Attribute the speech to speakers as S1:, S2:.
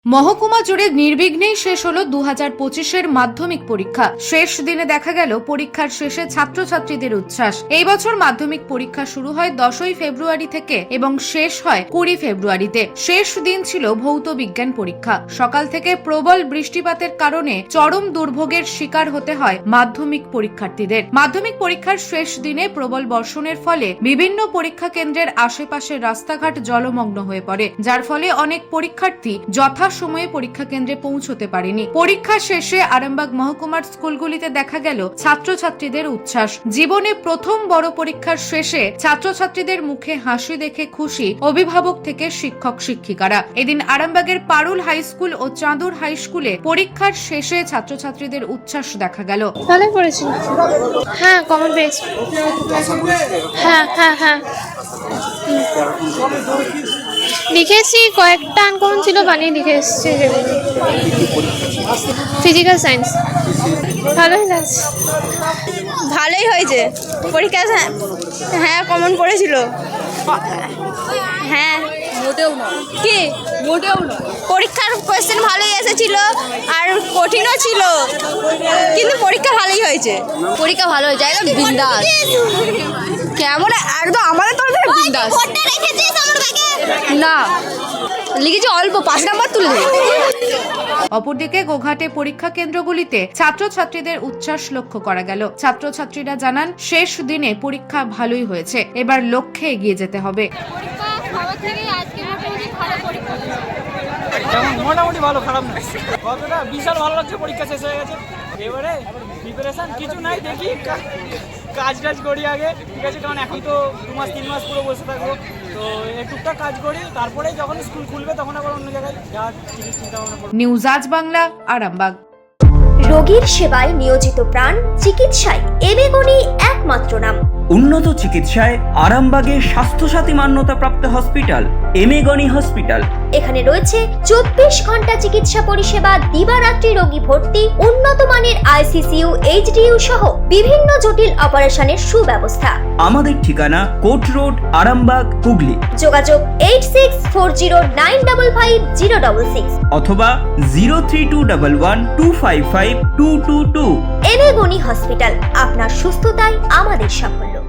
S1: মহকুমা জুড়ে নির্বিঘ্নেই শেষ হলো 2025-এর মাধ্যমিক পরীক্ষা। শেষ দিনে দেখা গেল পরীক্ষার শেষে ছাত্রছাত্রীদের উচ্ছ্বাস। এই বছর মাধ্যমিক পরীক্ষা শুরু হয় 10ই ফেব্রুয়ারি থেকে এবং শেষ হয় 20 ফেব্রুয়ারিতে। শেষ দিন ছিল ভৌত বিজ্ঞান পরীক্ষা। সকাল থেকে প্রবল বৃষ্টিপাতের কারণে চরম দুর্ভোগের শিকার হতে হয় মাধ্যমিক পরীক্ষার্থীদের। মাধ্যমিক পরীক্ষার শেষ দিনে প্রবল বর্ষণের ফলে বিভিন্ন পরীক্ষা কেন্দ্রের আশেপাশের রাস্তাঘাট জলমগ্ন হয়ে পড়ে, যার ফলে অনেক পরীক্ষার্থী সময়ে পরীক্ষা কেন্দ্রে পৌঁছতে পারেনি। পরীক্ষা শেষে আরামবাগ মহকুমার স্কুলগুলিতে দেখা গেল ছাত্রছাত্রীদের উচ্ছ্বাস। জীবনে প্রথম বড় পরীক্ষার শেষে ছাত্রছাত্রীদের মুখে হাসি দেখে খুশি অভিভাবক থেকে শিক্ষক শিক্ষিকারা। এদিন আরামবাগের পারুল হাই স্কুল ও চাঁদুর হাই স্কুলে পরীক্ষার শেষে ছাত্রছাত্রীদের উচ্ছ্বাস দেখা গেল।
S2: ভালোই পড়েছি। হ্যাঁ, কমন পেয়েছি। হ্যাঁ হ্যাঁ হ্যাঁ লিখেছি, কয়েকটা আনকমন ছিল, বানিয়ে লিখে এসেছি। ফিজিক্যাল সায়েন্স ভালোই লাগছে।
S3: ভালোই হয়েছে পরীক্ষা। হ্যাঁ, কমন পড়েছিল। হ্যাঁ,
S4: মোটেও নয়।
S3: কি
S4: মোটেও নয়।
S3: পরীক্ষার কোয়েশ্চেন ভালোই এসেছিল আর কঠিনও ছিল, কিন্তু পরীক্ষা ভালোই হয়েছে।
S4: পরীক্ষা ভালো হয়েছে, একদম বিন্দাস। কেমন একদম আমাদের তরফ থেকে বিন্দাস। না, লিখেছি অল্প, 5 নাম্বার তুলে দেবে।
S1: অপরদিকে গোঘাটে পরীক্ষা কেন্দ্রগুলিতে ছাত্রছাত্রীদের উচ্ছ্বাস লক্ষ্য করা গেল। ছাত্রছাত্রীরা জানান শেষ দিনে পরীক্ষা ভালোই হয়েছে, এবার লক্ষ্যে এগিয়ে যেতে হবে।
S5: মোটামুটি ভালো, খারাপ না। কতটা বিশাল ভালো লাগছে, পরীক্ষা শেষ হয়ে গেছে। এবারে প্রিপারেশন কিছু নাই, দেখি কাজ করি আগে, ঠিক আছে? কারণ এখন তো 2 মাস 3 মাস পুরো বসে থাকবো, তো একটুটা কাজ করি, তারপরে যখন স্কুল খুলবে তখন আবার অন্য জায়গায় যা চিন্তা ভাবনা করবো।
S1: নিউজ আজ বাংলা, আরামবাগ।
S6: রোগীর সেবায় নিয়োজিত প্রাণ, চিকিৎসায় এবেগুনি একমাত্র নাম।
S7: উন্নত চিকিৎসায় আরামবাগে স্বাস্থ্যসাথী মান্যতাপ্রাপ্ত হসপিটাল এমেগনি হসপিটাল।
S6: এখানে রয়েছে 24 ঘন্টা চিকিৎসা পরিষেবা, দিবারাত্রি রোগী ভর্তি, উন্নত মানের আইসিসিইউ, এইচডিইউ সহ বিভিন্ন জটিল অপারেশনের সুব্যবস্থা।
S7: আমাদের ঠিকানা কোট রোড, আরামবাগ, হুগলি।
S6: যোগাযোগ 8640955066
S7: অথবা 032112552222।
S6: এবেগুনি হসপিটাল, আপনার সুস্থতাই আমাদের সাফল্য।